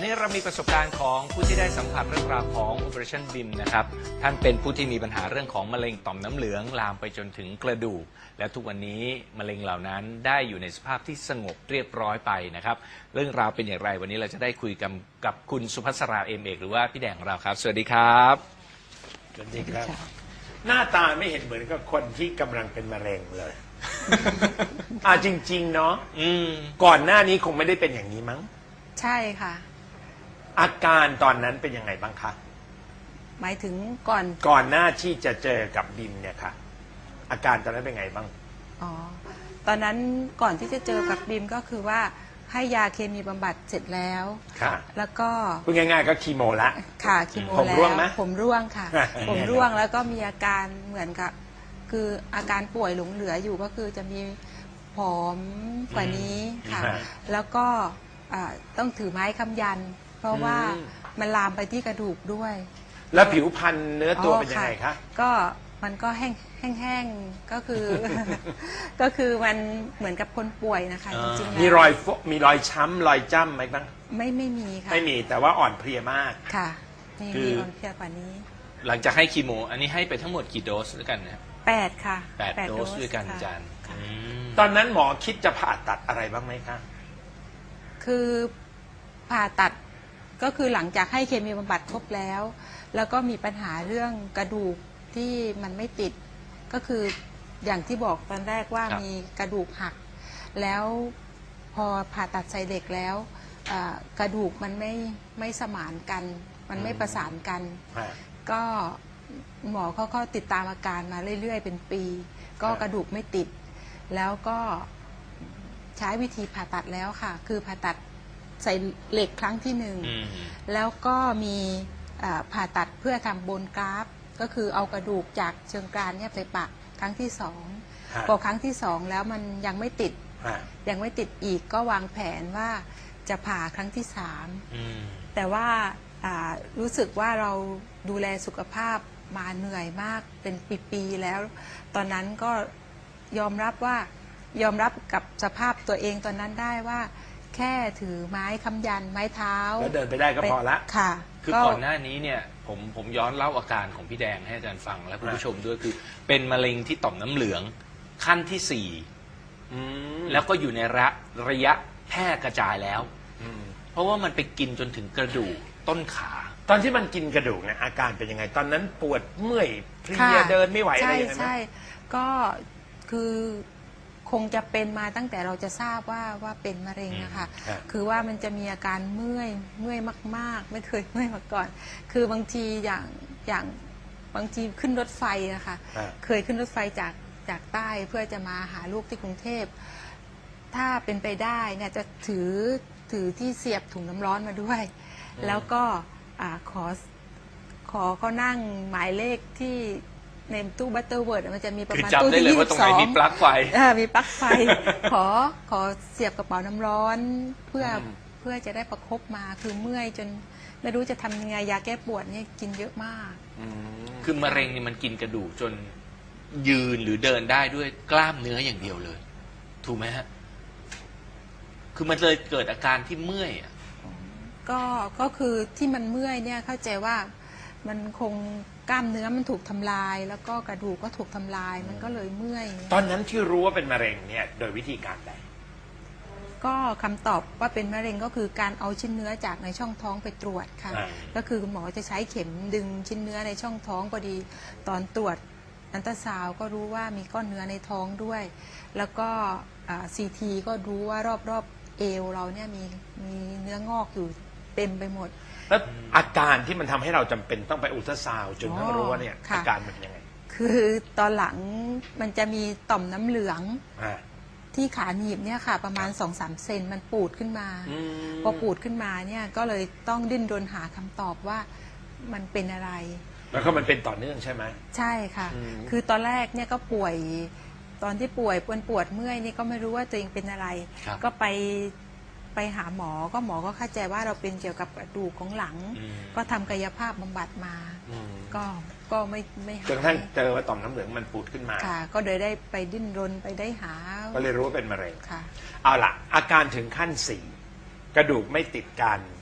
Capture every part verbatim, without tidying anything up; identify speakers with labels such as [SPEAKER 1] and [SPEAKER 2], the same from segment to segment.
[SPEAKER 1] นี้เรามีประสบการณ์ของผู้ที่ได้สัมผัสเรื่องราวของ Operation บี เอ็ม นะครับท่านเป็นผู้ที่มีปัญหาเรื่องของมะเร็งต่อมน้ำเหลืองลามไปจนถึงกระดูกและทุกวันนี้มะเร็งเหล่านั้นได้อยู่ในสภาพที่สงบเรียบร้อยไปนะครับเรื่องราวเป็นอย่างไรวันนี้เราจะได้คุยกับกับคุณสุภัสราเอมเอกหรือว่าพี่แดงของเราครับสวัสดีครับ
[SPEAKER 2] สวัสดีครับหน้าตาไม่เห็นเหมือนกับคนที่กำลังเป็นมะเร็งเลย อ่าจริงๆเนาะก่อนหน้านี้คงไม่ได้เป็นอย่างนี้มั้ง
[SPEAKER 3] ใช่ค่ะ
[SPEAKER 2] อาการตอนนั้นเป็นยังไงบ้างคะ
[SPEAKER 3] หมายถึงก่อน
[SPEAKER 2] ก่อนหน้าที่จะเจอกับบิมเนี่ยค่ะอาการตอนนั้นเป็นไงบ้าง
[SPEAKER 3] อ๋อตอนนั้นก่อนที่จะเจอกับบิมก็คือว่าให้ยาเคมีบำบัดเสร็จแล้ว
[SPEAKER 2] ค่ะ
[SPEAKER 3] แล้วก็
[SPEAKER 2] พูดง่ายๆก็คีโมละ
[SPEAKER 3] ค่ะคีโมแล้วผมร่วงไหมผมร่วงค่ะผมร่วงแล้วก็มีอาการเหมือนกับคืออาการป่วยหลงเหลืออยู่ก็คือจะมีผอมกว่านี้ค่ะแล้วก็ต้องถือไม้ค้ำยันเพราะว่ามันลามไปที่กระดูกด้วย
[SPEAKER 2] แล้วผิวพรรณเนื้อตัวเป็นยังไงคะ
[SPEAKER 3] ก็มันก็แห้งแห้งๆก็คือก็คือมันเหมือนกับคนป่วยนะคะจริงๆ
[SPEAKER 2] มีรอยมีรอยช้ำรอยจ้ำไหมบ้าง
[SPEAKER 3] ไม่ไม่มีค่ะ
[SPEAKER 2] ไม่มีแต่ว่าอ่อนเพลียมาก
[SPEAKER 3] ค่ะมีมีอ่อนเพลียกว่านี้
[SPEAKER 1] หลังจากให้คีโมอันนี้ให้ไปทั้งหมดกี่โดสด้วยกันนะ
[SPEAKER 3] แปดค่ะ
[SPEAKER 1] แปดโดสด้วยกันอาจารย์
[SPEAKER 2] ตอนนั้นหมอคิดจะผ่าตัดอะไรบ้างไหมคะ
[SPEAKER 3] คือผ่าตัดก็คือหลังจากให้เคมีบำบัดครบแล้วแล้วก็มีปัญหาเรื่องกระดูกที่มันไม่ติดก็คืออย่างที่บอกตอนแรกว่ามีกระดูกหักแล้วพอผ่าตัดใส่เหล็กแล้วกระดูกมันไม่ไม่สมานกันมันไม่ประสานกันก็หมอเขาก็ติดตามอาการมาเรื่อยๆเป็นปีก็กระดูกไม่ติดแล้วก็ใช้วิธีผ่าตัดแล้วค่ะคือผ่าตัดใส่เหล็กครั้งที่หนึ่งแล้วก็มีผ่าตัดเพื่อทำโบนกราฟก็คือเอากระดูกจากเชิงกรานเนี่ยไปปักครั้งที่สองพอครั้งที่สองแล้วมันยังไม่ติดยังไม่ติดอีกก็วางแผนว่าจะผ่าครั้งที่สามแต่ว่ารู้สึกว่าเราดูแลสุขภาพมาเหนื่อยมากเป็นปีๆแล้วตอนนั้นก็ยอมรับว่ายอมรับกับสภาพตัวเองตอนนั้นได้ว่าแค่ถือไม้ค้ำยันไม้เท้า
[SPEAKER 2] แล้วเดินไปได้ก็พอละ
[SPEAKER 3] ค่ะ
[SPEAKER 1] คือก่อนหน้านี้เนี่ยผมผมย้อนเล่าอาการของพี่แดงให้อาจารย์ฟังและคุณผู้ชมด้วยคือเป็นมะเร็งที่ต่อมน้ำเหลืองขั้นที่สี่แล้วก็อยู่ในระระยะแพร่กระจายแล้วเพราะว่ามันไปกินจนถึงกระดูกต้นขา
[SPEAKER 2] ตอนที่มันกินกระดูกเนี่ยอาการเป็นยังไงตอนนั้นปวดเมื่อยเพลียเดินไม่ไหวอะไรอย่างเงี้ย
[SPEAKER 3] ใช่ใช่ก็คือคงจะเป็นมาตั้งแต่เราจะทราบว่าว่าเป็นมะเร็งนะคะคือว่ามันจะมีอาการเมื่อยเมื่อยมากๆไม่เคยเมื่อยมาก่อนคือบางทีอย่างอย่างบางทีขึ้นรถไฟนะคะเคยขึ้นรถไฟจากจากใต้เพื่อจะมาหาลูกที่กรุงเทพถ้าเป็นไปได้เนี่ยจะถือถือที่เสียบถุงน้ำร้อนมาด้วยแล้วก็ขอขอเขานั่งหมายเลขที่ในตู้บัตเตอร์เวิร์ดมันจะมีประมาณตู้ที่ยี่สิบสอง
[SPEAKER 1] มีปลั๊กไฟ
[SPEAKER 3] มีปลั๊กไฟขอขอเสียบกระเป๋าน้ำร้อนเพื่อเพื่อจะได้ประคบมาคือเมื่อยจนไม่รู้จะทำยังไงยาแก้ปวดนี่กินเยอะมาก
[SPEAKER 1] คือมะเร็งนี่มันกินกระดูกจนยืนหรือเดินได้ด้วยกล้ามเนื้ออย่างเดียวเลยถูกไหมฮะคือมันเลยเกิดอาการที่เมื่อย
[SPEAKER 3] ก็ก็คือที่มันเมื่อยเนี่ยเข้าใจว่ามันคงกล้ามเนื้อมันถูกทำลายแล้วก็กระดูกก็ถูกทำลายมันก็เลยเมื่อย
[SPEAKER 2] ตอนนั้นที่รู้ว่าเป็นมะเร็งเนี่ยโดยวิธีการใด
[SPEAKER 3] ก็คำตอบว่าเป็นมะเร็งก็คือการเอาชิ้นเนื้อจากในช่องท้องไปตรวจค่ะก็คือคุณหมอจะใช้เข็มดึงชิ้นเนื้อในช่องท้องพอดีตอนตรวจอัลตราซาวด์ก็รู้ว่ามีก้อนเนื้อในท้องด้วยแล้วก็ซีทีก็รู้ว่ารอบๆเอวเราเนี่ยมีมีเนื้องอกอยู่เต็มไปหมด
[SPEAKER 2] แล้วอาการที่มันทำให้เราจำเป็นต้องไปอุลตราซาวด์จนต้องรู้ว่าเนี่ยอาการมันยังไง
[SPEAKER 3] คือตอนหลังมันจะมีต่อมน้ำเหลืองที่ขาหนีบเนี่ยค่ะประมาณ สองถึงสาม เซนมันปูดขึ้นมาพอปูดขึ้นมาเนี่ยก็เลยต้องดิ้นรนหาคำตอบว่ามันเป็นอะไร
[SPEAKER 2] แล้วก็มันเป็นต่อเนื่องใช่ไหม
[SPEAKER 3] ใช่ค่ะคือตอนแรกเนี่ยก็ป่วยตอนที่ป่วยปวดปวดเมื่อยนี่ก็ไม่รู้ว่าตัวเองเป็นอะไรก็ไปไปหาหมอก็หมอก็เข้าใจว่าเราเป็นเกี่ยวกับกระดูกของหลังก็ทำกายภาพบำบัดมาก็ก็ไม่ไม่หาย
[SPEAKER 2] จนกระทั่งเจอว่าต่อมน้ำเหลืองมันปูดขึ้นมา
[SPEAKER 3] ค่ะก็เลยได้ไปดิ้นรนไปได้หา
[SPEAKER 2] ก็เลยรู้ว่าเป็นมะเร็ง
[SPEAKER 3] ค่ะ
[SPEAKER 2] เอาล่ะอาการถึงขั้นสี่กระดูกไม่ติดกัน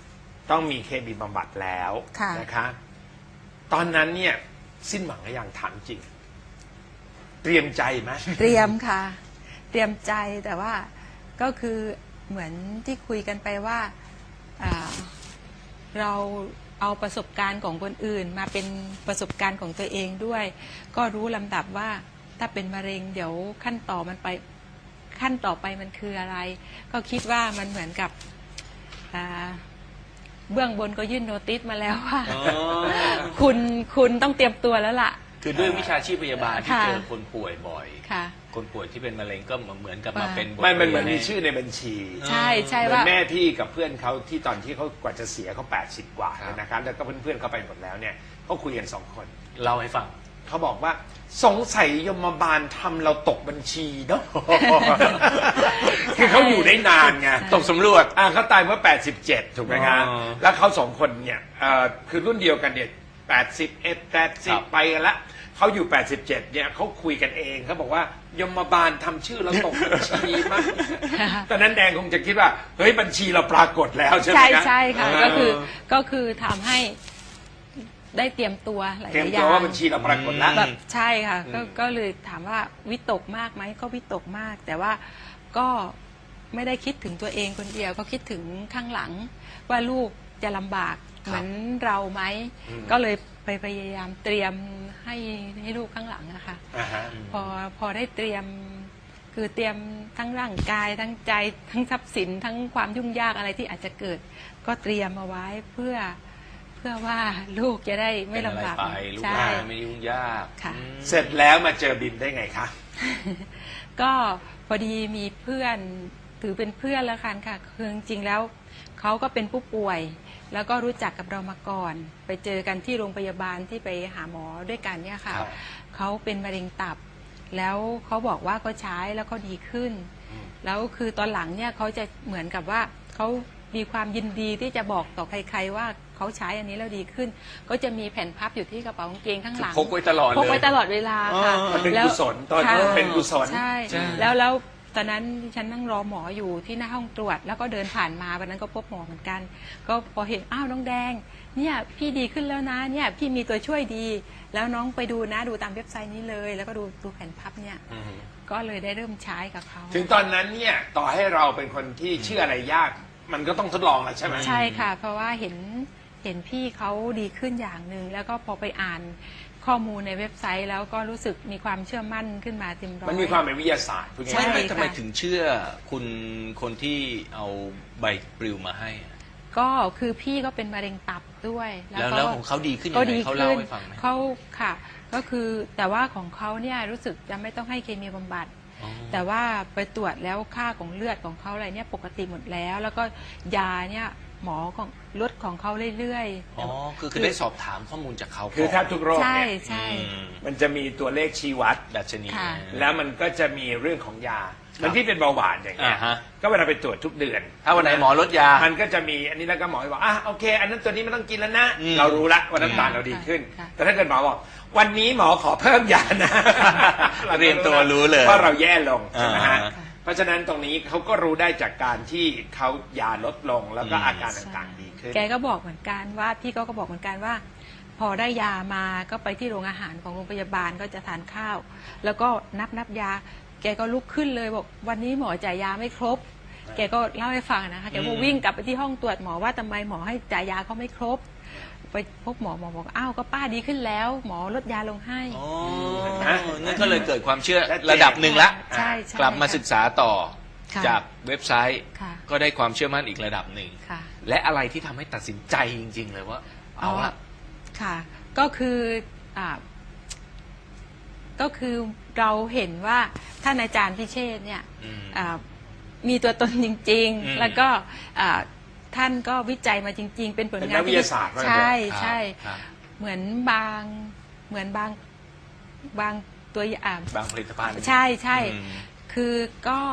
[SPEAKER 2] ต้องมีเคมีบำบัดแล้ว
[SPEAKER 3] ค่ะ
[SPEAKER 2] นะคะ ตอนนั้นเนี่ยสิ้นหวังหรือยังถามจริง เตรียมใจไหม
[SPEAKER 3] เตรียมค่ะ เตรียมใจแต่ว่าก็คือเหมือนที่คุยกันไปว่าอ่าเราเอาประสบการณ์ของคนอื่นมาเป็นประสบการณ์ของตัวเองด้วย ก็รู้ลำดับว่าถ้าเป็นมะเร็งเดี๋ยวขั้นต่อมันไปขั้นต่อไปมันคืออะไร ก็คิดว่ามันเหมือนกับอ่าเบื้องบนก็ยื่นโนติสมาแล้วว่า
[SPEAKER 1] อ๋อ
[SPEAKER 3] คุณคุณต้องเตรียมตัวแล้วล่ะ
[SPEAKER 1] คือด้วยวิชาชีพพยาบาลที่
[SPEAKER 3] ค่ะ
[SPEAKER 1] เจอคนป่วยบ่อย
[SPEAKER 3] ค่ะ
[SPEAKER 1] คนป่วยที่เป็นมะเร็งก็เหมือนกับมา
[SPEAKER 3] ว่า
[SPEAKER 1] เป็นบท
[SPEAKER 2] ไม่มันเหมือน
[SPEAKER 1] รีย
[SPEAKER 2] มีชื่อในบัญชี
[SPEAKER 3] ใช่ใช่
[SPEAKER 2] เหมือน
[SPEAKER 3] ว่า
[SPEAKER 2] แม่พี่กับเพื่อนเขาที่ตอนที่เขากว่าจะเสียเขาแปดสิบกว่า
[SPEAKER 1] ครับ
[SPEAKER 2] นะครับแล้วก็เพื่อนๆเขาไปหมดแล้วเนี่ยเขาคุยกันสองคน
[SPEAKER 1] เล่าให้ฟัง
[SPEAKER 2] เขาบอกว่าสงสัยยมบาลทำเราตกบัญชีเนาะ คือเขาอยู่ได้นานไง
[SPEAKER 1] ตกสำรวจ
[SPEAKER 2] อ่าเขาตายเมื่อแปดสิบเจ็ดถูกไหมครับ
[SPEAKER 1] อ๋อ
[SPEAKER 2] แล้วเขาสองคนเนี่ยเอ่อคือรุ่นเดียวกันเนี่ยแปดสิบเอ็ดแปดสิ
[SPEAKER 1] ครับ บ
[SPEAKER 2] ไปกันละเขาอยู่แปดสิบเจ็ดเนี่ยเขาคุยกันเองเขาบอกว่ายมบาลทำชื่อเราตกบัญชีมั้ง ตอนนั้นแดงคงจะคิดว่าเฮ้ยบัญชีเราปรากฏแล้วใช่ไหม
[SPEAKER 3] ใช่
[SPEAKER 2] ครับ
[SPEAKER 3] ใช่ค่ะ
[SPEAKER 2] เ
[SPEAKER 3] ก็คือก็คือทำให้ได้เตรียมตัวหลาย
[SPEAKER 2] เตรียม
[SPEAKER 3] ๆอ
[SPEAKER 2] ตั
[SPEAKER 3] ย่าว ง
[SPEAKER 2] ว่าบัญชีเราปรากฏแล้ว
[SPEAKER 3] แบบใช่ค่ะก็
[SPEAKER 2] อืม
[SPEAKER 3] ก็เลยถามว่าวิตกมากไหมก็วิตกมาก แต่ว่าก็ไม่ได้คิดถึงตัวเองคนเดียว ก็คิดถึงข้างหลัง ว่าลูกจะลำบากเหมือนเราไหมก็เลยไปพยายามเตรียมให้ให้ลูกข้างหลังอะค่ะ
[SPEAKER 2] อ่าฮะ
[SPEAKER 3] พอพอได้เตรียมคือเตรียมทั้งร่างกายทั้งใจทั้งทรัพย์สิน ทั้งความยุ่งยากอะไรที่อาจจะเกิด ก็เตรียมเอาไว้เพื่อเพื่อว่าลูกจะได้ไม่
[SPEAKER 1] เป็นอะไร
[SPEAKER 3] ลำบาก
[SPEAKER 1] ไปลูก
[SPEAKER 3] ใช่
[SPEAKER 1] หลานไม่ยุ่งยาก
[SPEAKER 3] ค่ะ
[SPEAKER 1] อืม
[SPEAKER 2] เสร็จแล้วมาเจอบิมได้ไงคะ
[SPEAKER 3] ก็พอดีมีเพื่อนถือเป็นเพื่อนแล้วกันค่ะคือจริงๆแล้วเขาก็เป็นผู้ป่วย แล้วก็รู้จักกับเรามาก่อน ไปเจอกันที่โรงพยาบาลที่ไปหาหมอด้วยกันเนี่ยค่ะ
[SPEAKER 2] ครับ
[SPEAKER 3] เขาเป็นมะเร็งตับ แล้วเขาบอกว่าเขาใช้แล้วเขาดีขึ้น แล้วคือตอนหลังเนี่ยเขาจะเหมือนกับว่าเขามีความยินดีที่จะบอกต่อใครๆว่าเขาใช้อันนี้แล้วดีขึ้น ก็จะมีแผ่นพับอยู่ที่กระเป๋ากางเกงข้างหลัง
[SPEAKER 1] พกไว้ตลอดเลย
[SPEAKER 3] พกไว้ตลอดเวลาค่ะ
[SPEAKER 1] อ๋อ
[SPEAKER 2] มันเป็น
[SPEAKER 3] แล้ว
[SPEAKER 2] กุศลตอนนั้น
[SPEAKER 3] ค่ะ
[SPEAKER 2] เป็นกุศล
[SPEAKER 3] ใช่
[SPEAKER 1] ใช่
[SPEAKER 3] แล้วแล้วตอนนั้นดิฉันนั่งรอหมออยู่ที่หน้าห้องตรวจ แล้วก็เดินผ่านมาวันนั้นก็พบหมอเหมือนกัน ก็พอเห็นอ้าวน้องแดงเนี่ยพี่ดีขึ้นแล้วนะเนี่ยพี่มีตัวช่วยดี แล้วน้องไปดูนะดูตามเว็บไซต์นี้เลย แล้วก็ดูดูแผ่นพับเนี่ยก็เลยได้เริ่มใช้กับเขา
[SPEAKER 2] ถึงตอนนั้นเนี่ยต่อให้เราเป็นคนที่เชื่ออะไรยาก มันก็ต้องทดลองแหละใช่ไหม
[SPEAKER 3] ใช่ค่ะ เพราะว่าเห็นเห็นพี่เขาดีขึ้นอย่างหนึ่งแล้วก็พอไปอ่านข้อมูลในเว็บไซต์ แล้วก็รู้สึกมีความเชื่อมั่นขึ้นมาเต็มร้อย
[SPEAKER 2] มันมีความเป็นวิทยาศาสตร์พูด
[SPEAKER 3] ใช่
[SPEAKER 2] ง่าย
[SPEAKER 1] ไม่
[SPEAKER 2] ๆ
[SPEAKER 1] ไม่ทำไมถึงเชื่อคุณคนที่เอาใบปลิวมาให้อะ
[SPEAKER 3] ก็คือพี่ก็เป็นมะเร็งตับด้วย
[SPEAKER 1] แล้ว
[SPEAKER 3] ก็
[SPEAKER 1] แล้วของเขาดีขึ้นยัง
[SPEAKER 3] ก็
[SPEAKER 1] ไง
[SPEAKER 3] ดี
[SPEAKER 1] เขา
[SPEAKER 3] ขึ้
[SPEAKER 1] เล่าน ให้ฟังไหม
[SPEAKER 3] เขาค่ะ ก็คือแต่ว่าของเขาเนี่ยรู้สึกจะไม่ต้องให้เคมีบำบัด
[SPEAKER 1] อ๋อ
[SPEAKER 3] แต่ว่าไปตรวจแล้วค่าของเลือดของเขาอะไรเนี่ยปกติหมดแล้ว แล้วก็ยาเนี่ยหมอของลดของเขาเรื่อยๆ
[SPEAKER 1] อ๋อคือคือได้สอบถามข้อมูลจากเขา
[SPEAKER 2] คือแทบทุกโรค
[SPEAKER 3] ใช่
[SPEAKER 2] เนี่ย
[SPEAKER 3] ใช่
[SPEAKER 1] อืม
[SPEAKER 2] มันจะมีตัวเลขชี้วัด
[SPEAKER 1] ดัชนี
[SPEAKER 3] ค่ะ
[SPEAKER 2] แล้วมันก็จะมีเรื่องของยา มันที่เป็นเบาหวานอย่างเงี้ย
[SPEAKER 1] อ่าฮะ
[SPEAKER 2] ก็เวลาไปตรวจทุกเดือน
[SPEAKER 1] ถ้าวันไหนหมอลดยา
[SPEAKER 2] มันก็จะมีอันนี้แล้วก็หมอบอกอ่ะโอเค อันนั้นตัวนี้ไม่ต้องกินแล้วนะ
[SPEAKER 1] อืม
[SPEAKER 2] เรารู้ละว่าน้ำตาลเราดีขึ้น
[SPEAKER 3] ค่ะ
[SPEAKER 2] แต่ถ้าเกิดหมอบอกวันนี้หมอขอเพิ่มยานะ
[SPEAKER 1] เรียนตัวรู้เลย
[SPEAKER 2] ว่าเราแย่ลงใช่ไหมฮะ
[SPEAKER 1] อ่า
[SPEAKER 2] เพราะฉะนั้นตรงนี้เขาก็รู้ได้จากการที่เขายาลดลงแล้วก็
[SPEAKER 1] อืม
[SPEAKER 2] อาการต่างๆดีขึ้น
[SPEAKER 3] แกก็บอกเหมือนกันว่าพี่ก็ก็บอกเหมือนกันว่า พอได้ยามาก็ไปที่โรงอาหารของโรงพยาบาลก็จะทานข้าว แล้วก็นับนับยา แกก็ลุกขึ้นเลยบอกวันนี้หมอจ่ายยาไม่ครบ แกก็เล่าให้ฟังนะคะแกก็วิ่งกลับไปที่ห้องตรวจหมอว่าทำไมหมอให้จ่ายยาเขาไม่ครบ ไปพบหมอหมอบอกอ้าวก็ป้าดีขึ้นแล้ว หมอลดยาลงให้
[SPEAKER 1] อ๋อ
[SPEAKER 2] นะ
[SPEAKER 1] นั่นก็เลยเกิดความเชื่อ
[SPEAKER 2] ชัดเจน
[SPEAKER 1] ระดับหนึ่งละ
[SPEAKER 3] ใช่ใช่
[SPEAKER 1] กลับมาศึกษาต่อ
[SPEAKER 3] ค่ะ
[SPEAKER 1] จากเว็บไซต์
[SPEAKER 3] ค่ะ
[SPEAKER 1] ก็ได้ความเชื่อมั่นอีกระดับหนึ่ง
[SPEAKER 3] ค่ะ
[SPEAKER 1] และอะไรที่ทำให้ตัดสินใจจริง ๆ เลยว่า เอาละ
[SPEAKER 3] ค่ะ ก็คืออ่าก็คือเราเห็นว่าท่านอาจารย์พิเชษฐ์เนี่ย
[SPEAKER 1] อืม
[SPEAKER 3] อ่ามีตัวตนจริง
[SPEAKER 1] อืม
[SPEAKER 3] ๆ แล้วก็อ่าท่านก็วิจัยมาจริง ๆ เป็นผล
[SPEAKER 2] เป็น
[SPEAKER 3] งาน
[SPEAKER 2] นักวิทยาศาสตร์ว่างั้น
[SPEAKER 3] ใช่
[SPEAKER 1] ครับ
[SPEAKER 3] ใช่
[SPEAKER 1] ครับ
[SPEAKER 3] เหมือนบางเหมือนบางบางตัวอย่าง
[SPEAKER 1] บางผลิตภัณฑ์
[SPEAKER 3] ใช่ใช่
[SPEAKER 1] อืม
[SPEAKER 3] คือก็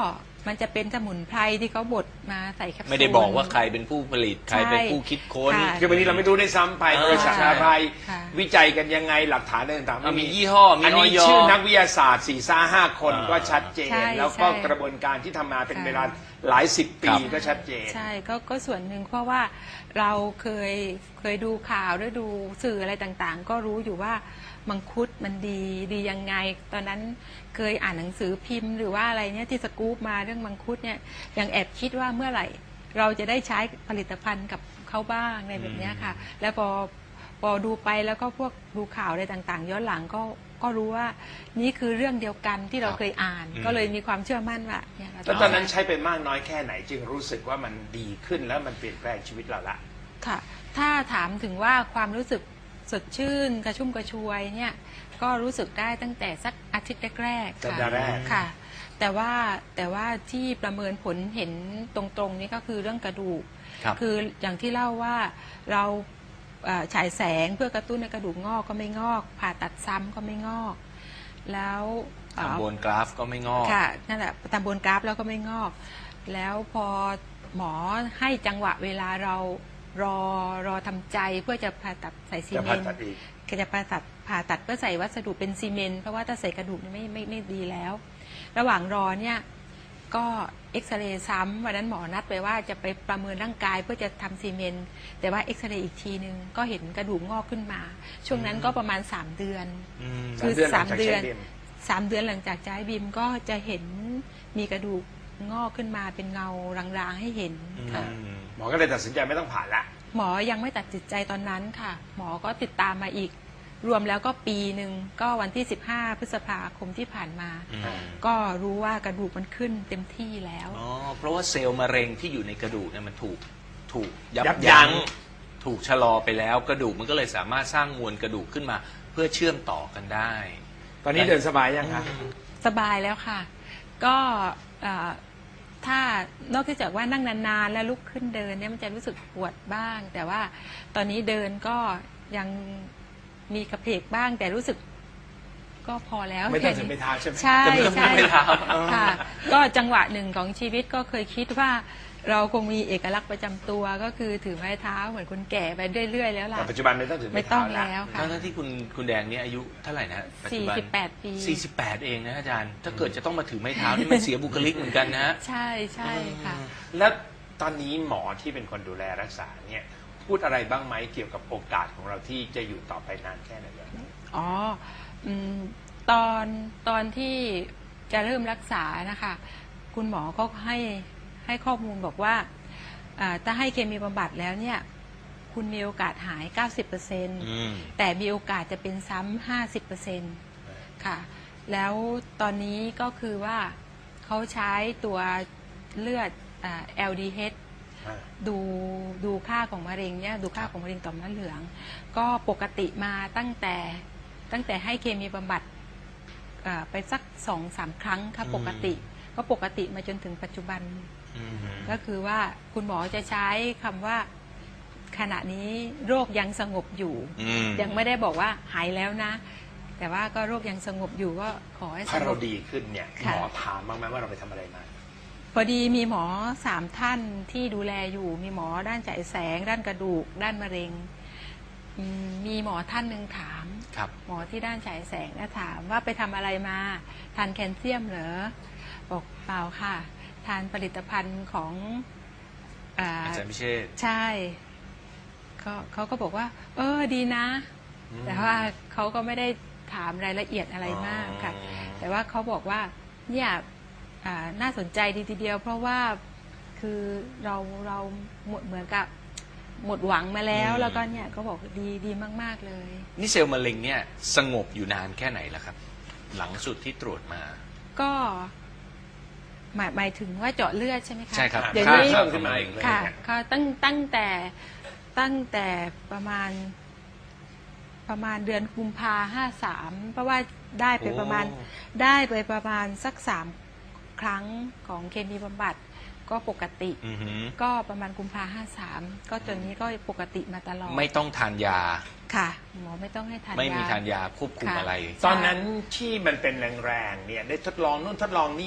[SPEAKER 3] มันจะเป็นสมุนไพรที่เขาบดมาใส่แคปซูล
[SPEAKER 1] ไม่ได้บอกว่าใครเป็นผู้ผลิตใครเป็นผู้คิดค้น
[SPEAKER 3] ค่ะ
[SPEAKER 2] คือวันนี้เราไม่รู้ได้วยซ้ำไป
[SPEAKER 1] เออ
[SPEAKER 2] บริษัท
[SPEAKER 1] ใช่
[SPEAKER 2] อะไร
[SPEAKER 3] ค่ะ
[SPEAKER 2] วิจัยกันยังไงหลักฐานอะไรต่างๆ
[SPEAKER 1] มันมี
[SPEAKER 2] ไ
[SPEAKER 1] ยี่ห้อมี
[SPEAKER 2] อัน
[SPEAKER 1] อ
[SPEAKER 2] นี้
[SPEAKER 1] อย
[SPEAKER 2] ชื่อนักวิทยาศาสตร์สี่ซ่าห้าคน
[SPEAKER 1] อ่า
[SPEAKER 2] ก็ชัดเจน
[SPEAKER 3] ใช่
[SPEAKER 2] แล้วก็
[SPEAKER 3] ใช่
[SPEAKER 2] กระบวนการที่ทำมาเป็น
[SPEAKER 3] ค่ะ
[SPEAKER 2] เวลาหลายสิบปี
[SPEAKER 1] ครับ
[SPEAKER 2] ก็ชัดเจน
[SPEAKER 3] ใช่ก็ก็ส่วนหนึ่งเพราะว่าเราเคยเคยดูข่าวหรือดูสื่ออะไรต่างๆ ก็รู้อยู่ว่ามังคุดมันดีดียังไง ตอนนั้นเคยอ่านหนังสือพิมพ์หรือว่าอะไรเนี่ยที่สกู๊ปมาเรื่องมังคุดเนี่ยยังแอบคิดว่าเมื่อไหร่ เราจะได้ใช้ผลิตภัณฑ์กับเขาบ้างในแบบเนี้ยค่ะ แล้วพอพอดูไปแล้วก็พวกดูข่าวอะไรต่างๆ ย้อนหลังก็ก็รู้ว่านี่คือเรื่องเดียวกันที่เราเคยอ่าน
[SPEAKER 1] อืม
[SPEAKER 3] ก็เลยมีความเชื่อมั่นว่าเนี่ยเรา
[SPEAKER 2] แล้ว
[SPEAKER 3] จะ
[SPEAKER 2] ตอนนั้นใช้ไปมากน้อยแค่ไหนจึงรู้สึกว่ามันดีขึ้นแล้วมันเปลี่ยนแปลงชีวิตเราละ
[SPEAKER 3] ค่ะ ถ้าถามถึงว่าความรู้สึกสดชื่นกระชุ่มกระชวยเนี่ยก็รู้สึกได้ตั้งแต่สักอาทิตย์แรกๆ
[SPEAKER 2] สัป
[SPEAKER 3] ค่ะ
[SPEAKER 2] ดาห์แรก
[SPEAKER 3] ค่ะ แต่ว่าแต่ว่าที่ประเมินผลเห็นตรงๆนี่ก็คือเรื่องกระดูก
[SPEAKER 1] ครับ
[SPEAKER 3] คืออย่างที่เล่าว่าเราเอ่อฉายแสงเพื่อกระตุ้นให้กระดูกงอกก็ไม่งอก ผ่าตัดซ้ำก็ไม่งอก แล้วเอ่อ
[SPEAKER 1] ทำบนกราฟก็ไม่งอก
[SPEAKER 3] ค่ะนั่นแหละตามบนกราฟแล้วก็ไม่งอก แล้วพอหมอให้จังหวะเวลาเรารอรอทำใจเพื่อจะผ่าตัดใส่ซี
[SPEAKER 2] จะ
[SPEAKER 3] เม
[SPEAKER 2] ผ่าน
[SPEAKER 3] ต์
[SPEAKER 2] ตัดอีก
[SPEAKER 3] ก็จะผ่าตัดผ่าตัดเพื่อใส่วัสดุเป็นซีเมนต์เพราะว่าถ้าใส่กระดูกเนี่ยไม่ไม่ไม่ดีแล้ว ระหว่างรอเนี่ยก็เอ็กซเรย์ซ้ำวันนั้นหมอนัดไปว่าจะไปประเมินร่างกายเพื่อจะทำซีเมนต์แต่ว่าเอ็กซเรย์อีกทีนึงก็เห็นกระดูกงอกขึ้นมา ช่วงนั้นก็ประมาณสามเดือน
[SPEAKER 1] อืม
[SPEAKER 3] คือ
[SPEAKER 2] สามเดือนหลังจากใช้บิม
[SPEAKER 3] สามเดือนหลังจากใช้บิมก็จะเห็นมีกระดูกงอกขึ้นมาเป็นเงารางๆให้เห็นค่ะ
[SPEAKER 1] อืม
[SPEAKER 2] หมอก็เลยตัดสินใจไม่ต้องผ่าละ
[SPEAKER 3] หมอยังไม่ตัดสินใจตอนนั้นค่ะ หมอก็ติดตามมาอีก รวมแล้วก็ปีหนึ่งก็วันที่สิบห้าพฤษภาคมที่ผ่านมา
[SPEAKER 1] อืม
[SPEAKER 3] ก็รู้ว่ากระดูกมันขึ้นเต็มที่แล้ว
[SPEAKER 1] อ๋อเพราะว่าเซลล์มะเร็งที่อยู่ในกระดูกเนี่ยมันถูกถูกยับ
[SPEAKER 2] ยับยั้
[SPEAKER 1] ยั้
[SPEAKER 2] ง
[SPEAKER 1] งถูกชะลอไปแล้ว กระดูกมันก็เลยสามารถสร้างมวลกระดูกขึ้นมา เพื่อเชื่อมต่อกันได้
[SPEAKER 2] ตอนนี้เดินสบายยังคะ
[SPEAKER 3] สบายแล้วค่ะ ก็เอ่อถ้านอกจากว่านั่งนานๆแล้วลุกขึ้นเดินเนี่ยมันจะรู้สึกปวดบ้าง แต่ว่าตอนนี้เดินก็ยังมีกระเพกบ้าง แต่รู้สึกก็พอแล้ว
[SPEAKER 2] ไม่ต้องถึงไปเท้าใช่ไหม
[SPEAKER 3] ใช่
[SPEAKER 1] แต่ไม่ต้อง
[SPEAKER 3] ใช่
[SPEAKER 1] ไปเท้า
[SPEAKER 3] ค่ะ ก็จังหวะหนึ่งของชีวิตก็เคยคิดว่า เราคงมีเอกลักษณ์ประจำตัวก็คือถือไม้เท้าเหมือนคนแก่ไปเรื่อยๆแล้วล่ะ
[SPEAKER 2] แต่ปัจจุบันไม่ต้องถึง
[SPEAKER 3] ไม่ต้องแล้วค่ะ
[SPEAKER 1] ทั้งๆที่คุณคุณแดงเนี่ยอายุเท่าไหร่นะปัจจุบัน
[SPEAKER 3] สี่สิบแปดปี
[SPEAKER 1] สี่สิบแปดเองนะอาจารย์ ถ้าเกิดจะต้องมาถือไม้เท้านี่มันเสียบุคลิกเหมือนกันนะฮะ
[SPEAKER 3] ใช่ใช่ค่ะ
[SPEAKER 2] แล้วตอนนี้หมอที่เป็นคนดูแลรักษาเนี่ยพูดอะไรบ้างไหมเกี่ยวกับโอกาสของเราที่จะอยู่ต่อไปนานแค่ไหนเนี่ย
[SPEAKER 3] อ๋ออืมตอนตอนที่จะเริ่มรักษานะคะ คุณหมอก็ให้ให้ข้อมูลบอกว่าอ่าถ้าให้เคมีบำบัดแล้วเนี่ย คุณมีโอกาสหาย เก้าสิบเปอร์เซ็นต์
[SPEAKER 1] อืม
[SPEAKER 3] แต่มีโอกาสจะเป็นซ้ำ ห้าสิบเปอร์เซ็นต์ ค่ะ แล้วตอนนี้ก็คือว่าเขาใช้ตัวเลือดอ่า แอล ดี เอช
[SPEAKER 2] อ่า
[SPEAKER 3] ดูดูค่าของมะเร็งเนี่ยดูค่าของมะเร็งต่อมน้ำเหลือง ก็ปกติมาตั้งแต่ตั้งแต่ให้เคมีบำบัดอ่าไปสักสองสามครั้งค่ะ
[SPEAKER 1] อืม
[SPEAKER 3] ปกติก็ปกติมาจนถึงปัจจุบัน
[SPEAKER 1] อืม
[SPEAKER 3] ก็คือว่าคุณหมอจะใช้คำว่าขณะนี้โรคยังสงบอยู่
[SPEAKER 1] อืม
[SPEAKER 3] ยังไม่ได้บอกว่าหายแล้วนะ แต่ว่าก็โรคยังสงบอยู่ก็ขอให้ส
[SPEAKER 2] ถ้าง เรา
[SPEAKER 3] บ
[SPEAKER 2] ดีขึ้นเนี่ยห
[SPEAKER 3] ค่ะ
[SPEAKER 2] มอถามบ้างไหมว่าเราไปทำอะไรมา
[SPEAKER 3] พอดีมีหมอสามท่านที่ดูแลอยู่ มีหมอด้านฉายแสง ด้านกระดูก ด้านมะเร็งอืมมีหมอท่านหนึ่งถาม
[SPEAKER 1] ครับ
[SPEAKER 3] หมอที่ด้านฉายแสงนะถามว่าไปทำอะไรมาทานแคลเซียมเหรอบอกเปล่าค่ะ ทานผลิตภัณฑ์ของอ่า
[SPEAKER 1] อาจารย์พิเชษฐ์
[SPEAKER 3] ใช่เขาเขาก็บอกว่า เออดีนะ
[SPEAKER 1] อืม
[SPEAKER 3] แต่ว่าเขาก็ไม่ได้ถามรายละเอียดอะไรมากค่ะ
[SPEAKER 1] อ๋อ
[SPEAKER 3] แต่ว่าเขาบอกว่าเนี่ยอ่าน่าสนใจดีทีเดียว เพราะว่าคือเราเราหมดเหมือนกับหมดหวังมาแล้ว แล้วก็เนี่ยก็บอกดีดีมาก ๆ เลย
[SPEAKER 1] นี่เซลล์มะเร็งเนี่ยสงบอยู่นานแค่ไหนแล้วครับ หลังสุดที่ตรวจมา
[SPEAKER 3] ก็หมายหมายถึงว่าเจาะเลือดใช่ไหมคะ
[SPEAKER 1] ใช่ครับ
[SPEAKER 3] เดี๋ยว
[SPEAKER 2] ค่า
[SPEAKER 3] นี้
[SPEAKER 2] เพิ่มขึ้นมาอีกเลย
[SPEAKER 3] ค่ะ
[SPEAKER 2] เนี่ย
[SPEAKER 3] ก็ตั้งตั้งแต่ตั้งแต่ประมาณ ประมาณเดือนกุมภาห้าสามเพราะว่าได้ไปประมาณ
[SPEAKER 1] โอ้
[SPEAKER 3] ได้ไปประมาณสักสามครั้งของเคมีบำบัดก็ปกติ
[SPEAKER 1] อือหือ
[SPEAKER 3] ก็ประมาณกุมภาห้าสามก็จนนี้ก็ปกติมาตลอด
[SPEAKER 1] ไม่ต้องทานยา
[SPEAKER 3] ค่ะ หมอไม่ต้องให้ทานยา
[SPEAKER 1] ไม่มีทานยาควบคุม
[SPEAKER 3] ค่ะ
[SPEAKER 1] อะไร
[SPEAKER 2] ตอนนั้นที่มันเป็นแรงๆเนี่ยได้ทดลองนู่นทดลองนี่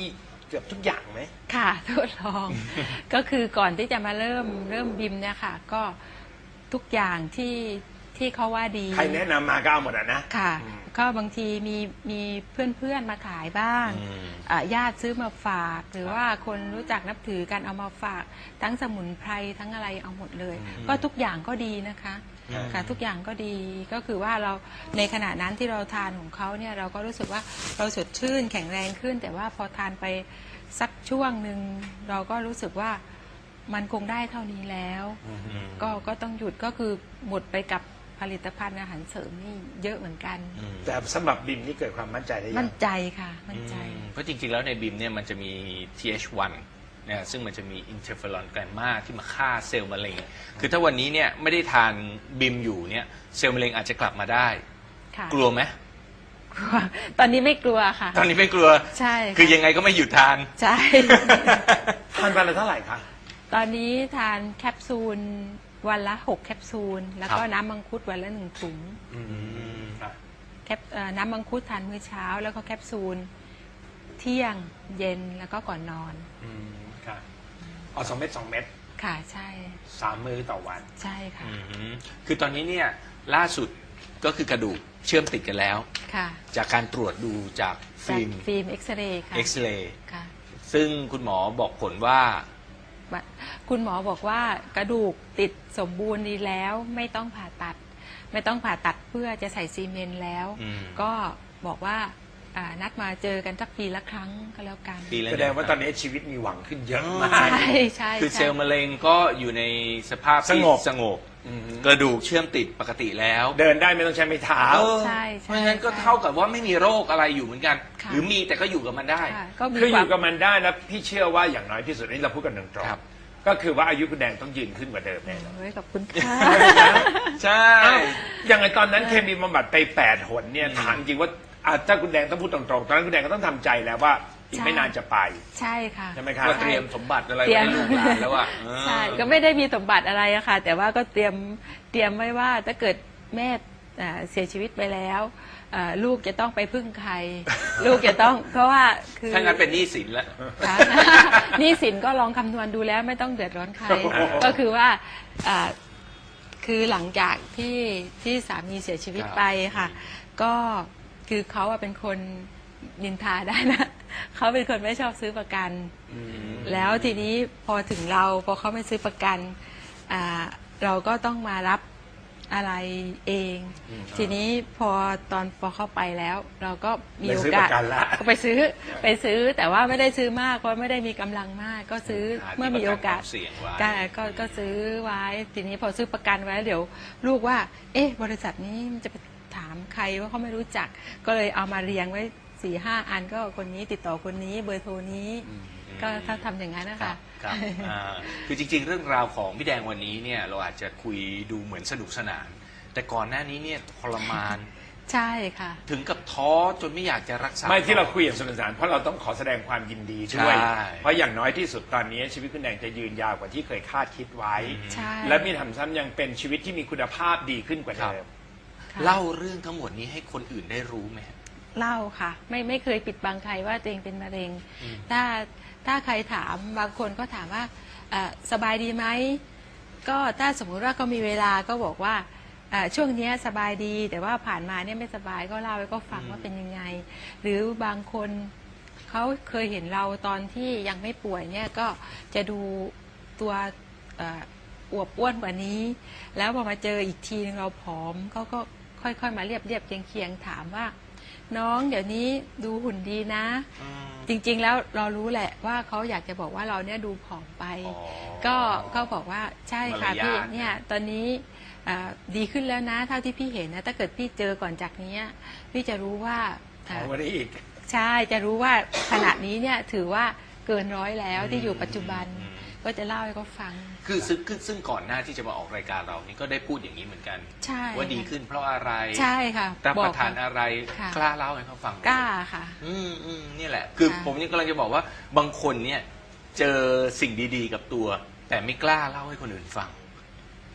[SPEAKER 2] เกือบทุกอย่างไหม
[SPEAKER 3] ค่ะทดลอง ก็คือก่อนที่จะมาเริ่มเริ่มบิมเนี่ยค่ะ ก็ทุกอย่างที่ที่เขาว่าดี
[SPEAKER 2] ใครแนะนำมาก็เอาหมดอ่ะนะ
[SPEAKER 3] ค่ะ
[SPEAKER 2] อืม
[SPEAKER 3] ก็บางทีมีมีเพื่อนๆมาขายบ้าง
[SPEAKER 1] อืม
[SPEAKER 3] อ่ะญาติซื้อมาฝาก หรือว่าคนรู้จักนับถือกันเอามาฝาก ทั้งสมุนไพรทั้งอะไรเอาหมดเลย ก็ทุกอย่างก็ดีนะคะ
[SPEAKER 1] อืม
[SPEAKER 3] ค่ะทุกอย่างก็ดีก็คือว่าเราในขณะนั้นที่เราทานของเขาเนี่ยเราก็รู้สึกว่าเราสดชื่นแข็งแรงขึ้น แต่ว่าพอทานไปสักช่วงหนึ่งเราก็รู้สึกว่ามันคงได้เท่านี้แล้ว
[SPEAKER 1] อืม
[SPEAKER 3] ก็ก็ต้องหยุดก็คือหมดไปกับผลิตภัณฑ์อาหารเสริมนี่เยอะเหมือนกัน
[SPEAKER 1] อืม
[SPEAKER 2] แต่สำหรับบิมนี่เกิดความมั่นใจได้ยั
[SPEAKER 3] มั่
[SPEAKER 2] ง
[SPEAKER 3] นใจค่ะมั่นใจ
[SPEAKER 1] อืมเพราะจริงๆ แล้วในบิมเนี่ยมันจะมี ที เอช วัน นะซึ่งมันจะมีอินเทอร์เฟอรอนแกรมมาที่มาฆ่าเซลล์มะเร็ง คือถ้าวันนี้เนี่ยไม่ได้ทานบิมอยู่เนี่ยเซลล์มะเร็งอาจจะกลับมาได้
[SPEAKER 3] ค่ะ
[SPEAKER 1] กลัวไหม
[SPEAKER 3] กลัวตอนนี้ไม่กลัวค่ะ
[SPEAKER 1] ตอนนี้ไม่กลัว
[SPEAKER 3] ใช่ะ
[SPEAKER 1] คือยังไงก็ไม่หยุดทาน
[SPEAKER 3] ใช่
[SPEAKER 2] ทานวันละเท่าไหร่คะ
[SPEAKER 3] ตอนนี้ทานแคปซูลวันละหกแคปซูล แล้วก็
[SPEAKER 1] ครับ
[SPEAKER 3] น้ำมังคุดวันละหนึ่งถุง
[SPEAKER 2] ค่ะ
[SPEAKER 3] แคปเอ่อน้ำมังคุดทานมื้อเช้า แล้วก็แคปซูลเที่ยงเย็นแล้วก็ก่อนนอน
[SPEAKER 2] อืมค่ะเอาสองเม็ดสองเม็ด
[SPEAKER 3] ค่ะใช่
[SPEAKER 2] สามมื้อต่อวัน
[SPEAKER 3] ใช่ค่ะ
[SPEAKER 1] อืมคือตอนนี้เนี่ยล่าสุดก็คือกระดูกเชื่อมติดกันแล้ว
[SPEAKER 3] ค่ะ
[SPEAKER 1] จากการตรวจดูจาก
[SPEAKER 3] จาก
[SPEAKER 1] ฟิล์ม
[SPEAKER 3] ฟิล์มเอ็กซเรย์ค่ะ
[SPEAKER 1] เอ็กซเรย์
[SPEAKER 3] ค่ะ
[SPEAKER 1] ซึ่งคุณหมอบอกผลว่า
[SPEAKER 3] บัดคุณหมอบอกว่ากระดูกติดสมบูรณ์ดีแล้วไม่ต้องผ่าตัด ไม่ต้องผ่าตัดเพื่อจะใส่ซีเมนต์แล้ว
[SPEAKER 1] อืม
[SPEAKER 3] ก็บอกว่าอ่านัดมาเจอกันสักปีละครั้งก็แล้วกัน
[SPEAKER 1] ปีละ
[SPEAKER 2] แสดงว่าตอนนี้ชีวิตมีหวังขึ้นเยอะมาก
[SPEAKER 3] ใช่ใช่
[SPEAKER 1] คือเซ
[SPEAKER 3] ใช่
[SPEAKER 1] ลล์มะเร็งก็อยู่ในสภาพที่
[SPEAKER 2] สงบ
[SPEAKER 1] สงบ
[SPEAKER 2] อืม
[SPEAKER 1] กระดูกเชื่อมติดปกติแล้ว
[SPEAKER 2] เดินได้ไม่ต้องใช้ไม้เท้า
[SPEAKER 1] เออ
[SPEAKER 3] ใช่
[SPEAKER 1] เพ
[SPEAKER 3] ใช่
[SPEAKER 1] ราะฉะนั้นก็
[SPEAKER 3] ใช่
[SPEAKER 1] เท่ากับว่าไม่มีโรคอะไรอยู่เหมือนกัน
[SPEAKER 3] ค่ะ
[SPEAKER 1] หรือมีแต่ก็อยู่กับมันได้
[SPEAKER 3] ค่ะก็มี
[SPEAKER 2] คืออ
[SPEAKER 3] ความ
[SPEAKER 2] ยู่กับมันได้แล้วพี่เชื่อว่าอย่างน้อยที่สุดนี่เราพูดกันตรง
[SPEAKER 1] ครับ
[SPEAKER 2] ๆก็คือว่าอายุคุณแดงต้องยืนขึ้นกว่าเดิมแน่นอน
[SPEAKER 3] โอ้ยขอบคุณค่ะ
[SPEAKER 1] ใช่
[SPEAKER 2] อ้าวอย่างไรตอนนั้นเคมีบำบัดไปแปดหนเนี่ยถามจริงว่าอ่ะถ้าคุณแดงต้องพูดตรงๆตอนนั้นคุณแดงก็ต้องทำใจแล้วว่าอีกไม่นานจะไป
[SPEAKER 3] ใช่ค่ะ
[SPEAKER 2] ใช่ไหมครับ
[SPEAKER 1] ก็เตรียมสมบัติอะไร
[SPEAKER 3] เตรี
[SPEAKER 1] ไว้
[SPEAKER 3] ยม
[SPEAKER 1] ให้ลูกหลานแล้วอ่ะเออ
[SPEAKER 3] ใช่ก็ไม่ได้มีสมบัติอะไรอะค่ะ แต่ว่าก็เตรียมเตรียมไว้ว่าถ้าเกิดแม่อ่าเสียชีวิตไปแล้วอ่าลูกจะต้องไปพึ่งใคร ลูกจะต้องเพราะว่าคือ
[SPEAKER 1] ถ้างั้นเป็นหนี้สินแล้ว
[SPEAKER 3] ค่ะ หนี่สินก็ลองคำนวณดูแล้วไม่ต้องเดือดร้อนใคร
[SPEAKER 2] โอ้โห
[SPEAKER 3] ก็คือว่าอ่าคือหลังจากที่ที่สามีเสียชีวิต
[SPEAKER 1] ครับ
[SPEAKER 3] ไปค่ะ ก็คือเขาอะเป็นคนนินทาได้นะ เขาเป็นคนไม่ชอบซื้อประกัน แล้วทีนี้พอถึงเราพอเขาไม่ซื้อประกันอ่าเราก็ต้องมารับอะไรเอง ทีนี้พอตอนพอเข้าไปแล้ว เราก็มี
[SPEAKER 2] ไป
[SPEAKER 3] โอ
[SPEAKER 2] ซื้อป
[SPEAKER 3] กาส
[SPEAKER 2] ระกันละ
[SPEAKER 3] ก็ไปซื้อไปซื้อแต่ว่าไม่ได้ซื้อมากเพราะไม่ได้มีกำลังมาก ก็ซื้อ
[SPEAKER 1] หาที่
[SPEAKER 3] เมื่อมีโอกาส
[SPEAKER 1] ประกันความเสี่ยงไว้
[SPEAKER 3] ก็ก็ก็ซื้อไว้ ทีนี้พอซื้อประกันไว้เดี๋ยวลูกว่า เอ๊ะ บริษัทนี้มันจะไปถามใครว่าเขาไม่รู้จัก ก็เลยเอามาเรียงไว้สี่ห้าอันก็คนนี้ติดต่อคนนี้เบอร์โทรนี้ ก็ถ้าทำอย่างนั้นนะ
[SPEAKER 1] ครั
[SPEAKER 3] คะ
[SPEAKER 1] บครับอ่าคือจริงๆ เรื่องราวของพี่แดงวันนี้เนี่ยเราอาจจะคุยดูเหมือนสนุกสนาน แต่ก่อนหน้านี้เนี่ยทรมาน
[SPEAKER 3] ใช่ค่ะ
[SPEAKER 1] ถึงกับท้อจนไม่อยากจะรักษา
[SPEAKER 2] ไม่ที่เราคุยอย่างสนุกสนานเพราะเราต้องขอแสดงความยินดีด้วย
[SPEAKER 1] ใช่
[SPEAKER 2] เพราะอย่างน้อยที่สุดตอนนี้ชีวิตคุณแดงจะยืนยาวกว่าที่เคยคาดคิดไว้
[SPEAKER 3] ใช่
[SPEAKER 2] และมีทำซ้ำยังเป็นชีวิตที่มีคุณภาพดีขึ้นกว่าเดิม
[SPEAKER 3] ค่ะ
[SPEAKER 1] เล่าเรื่องทั้งหมดนี้ให้คนอื่นได้รู้ไหม
[SPEAKER 3] เล่าค่ะ ไม่ไม่เคยปิดบังใครว่าตัวเองเป็นมะเร็ง
[SPEAKER 1] อืม
[SPEAKER 3] ถ้าถ้าใครถามบางคนก็ถามว่าเอ่อสบายดีไหมก็ถ้าสมมุติว่าก็มีเวลาก็บอกว่าเอ่อช่วงเนี้ยสบายดี แต่ว่าผ่านมาเนี่ยไม่สบายก็เล่าให้ก็ฟังว่าเป็นยังไง หรือบางคนเขาเคยเห็นเราตอนที่ยังไม่ป่วยเนี่ยก็จะดูตัวเอ่ออวบอ้วนกว่านี้ แล้วพอมาเจออีกทีนึงเราผอมเขาก็ค่อยๆมาเรียบเรียบๆเคียงเคียงๆถามว่า น้องเดี๋ยวนี้ดูหุ่นดีนะ จริงๆ แล้วเรารู้แหละว่าเขาอยากจะบอกว่าเราเนี่ยดูผอมไป
[SPEAKER 1] อ๋อ
[SPEAKER 3] ก็ก็บอกว่าใช่ค่ะ
[SPEAKER 1] มารยาท
[SPEAKER 3] พี่เนี่ยตอนนี้อ่าดีขึ้นแล้วนะ เท่าที่พี่เห็นนะถ้าเกิดพี่เจอก่อนจากนี้พี่จะรู้ว่า
[SPEAKER 2] ขอวันนี้อีก
[SPEAKER 3] ใช่จะรู้ว่าขณะนี้เนี่ยถือว่าเกินร้อยแล้วที่อยู่ปัจจุบัน
[SPEAKER 1] อืม
[SPEAKER 3] ก็จะเล่าให้เขาฟัง
[SPEAKER 1] คือซึ่งคือซึ่งก่อนหน้าที่จะมาออกรายการเรานี่ก็ได้พูดอย่างนี้เหมือนกัน
[SPEAKER 3] ใช่
[SPEAKER 1] ว่าดีขึ้นเพราะอะไร
[SPEAKER 3] ใช่ค่ะ
[SPEAKER 1] รับประ
[SPEAKER 3] อก
[SPEAKER 1] ทานอะไร
[SPEAKER 3] ค่ะ
[SPEAKER 1] กล้าเล่าให้เขาฟังไหม
[SPEAKER 3] กล้าค่ะ
[SPEAKER 1] อืมอืมนี่แหละ คือ
[SPEAKER 3] ค่ะ
[SPEAKER 1] ผมยังกำลังจะบอกว่าบางคนเนี่ย เจอสิ่งดีๆกับตัว แต่ไม่กล้าเล่าให้คนอื่นฟัง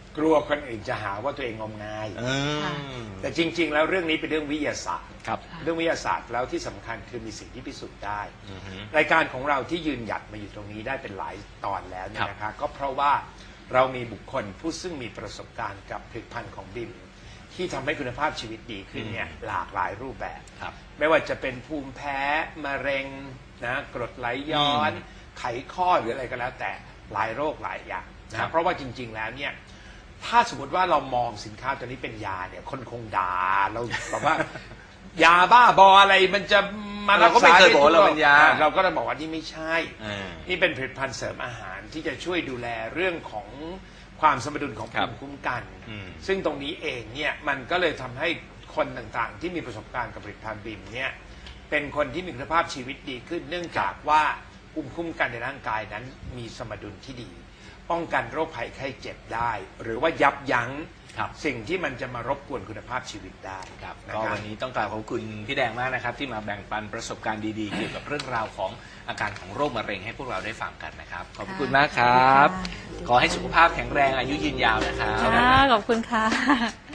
[SPEAKER 2] กลัวคนอื่นจะหาว่าตัวเองงมงาย
[SPEAKER 1] อืม
[SPEAKER 2] แต่จริง ๆ แล้วเรื่องนี้เป็นเรื่องวิทยาศาสตร์
[SPEAKER 1] ครับ
[SPEAKER 2] เรื่องวิทยาศาสตร์แล้วที่สำคัญคือมีสิ่งที่พิสูจน์ได้
[SPEAKER 1] อือฮึ
[SPEAKER 2] รายการของเราที่ยืนหยัดมาอยู่ตรงนี้ได้เป็นหลายตอนแล้วเนี่
[SPEAKER 1] ครั
[SPEAKER 2] ย
[SPEAKER 1] บ
[SPEAKER 2] นะคะก็เพราะว่าเรามีบุคคลผู้ซึ่งมีประสบการณ์กับผลิตภัณฑ์ของบิมที่ทำให้คุณภาพชีวิตดีขึ้นเนี่ยหลากหลายรูปแบบ
[SPEAKER 1] ครับ
[SPEAKER 2] ไม่ว่าจะเป็นภูมิแพ้มะเร็งนะกรดไหลย้อน
[SPEAKER 1] อืม
[SPEAKER 2] ไขข้อหรืออะไรก็แล้วแต่หลายโรคหลายอย่าง
[SPEAKER 1] ครั
[SPEAKER 2] นะ
[SPEAKER 1] บ
[SPEAKER 2] เพราะว่าจริง ๆ แล้วเนี่ยถ้าสมมติว่าเรามองสินค้าตัวนี้เป็นยาเนี่ยคนคงด่าเราแบบว่า ยาบ้าบออะไรมันจะมารักษา
[SPEAKER 1] เราก็ไม่เคยบอกว่า
[SPEAKER 2] ได้ทุ
[SPEAKER 1] เราเป็นยา
[SPEAKER 2] อ่เราก็จะบอกว่านี่ไม่ใช่
[SPEAKER 1] เออ
[SPEAKER 2] นี่เป็นผลิตภัณฑ์เสริมอาหารที่จะช่วยดูแลเรื่องของความสมดุลของ
[SPEAKER 1] ครั
[SPEAKER 2] ภู
[SPEAKER 1] บ
[SPEAKER 2] มิคุ้มกัน
[SPEAKER 1] อืม
[SPEAKER 2] ซึ่งตรงนี้เองเนี่ยมันก็เลยทำให้คนต่างๆ ที่มีประสบการณ์กับผลิตภัณฑ์บิมเนี่ยเป็นคนที่มีคุณภาพชีวิตดีขึ้น เนื่องจากว่าภูมิคุ้มกันในร่างกายนั้นมีสมดุลที่ดี ป้องกันโรคภัยไข้เจ็บได้ หรือว่ายับยั้ง
[SPEAKER 1] ครับ
[SPEAKER 2] สิ่งที่มันจะมารบกวนคุณภาพชีวิตได้
[SPEAKER 1] ครับ
[SPEAKER 2] นะ
[SPEAKER 1] ก็
[SPEAKER 2] ครับ
[SPEAKER 1] วันนี้ต้องกราบขอบคุณพี่แดงมากนะครับ ที่มาแบ่งปันประสบการณ์ดีๆ เกี่ยวกับเรื่องราวของอาการของโรคมะเร็งให้พวกเราได้ฟังกันนะครับ ขอบพระคุณมากครับ
[SPEAKER 3] ขอบคุณค่ะ
[SPEAKER 1] ขอให้สุขภาพแข็งแรงอายุยืนยาวนะครับ
[SPEAKER 4] ค่ะขอบคุณค่ะ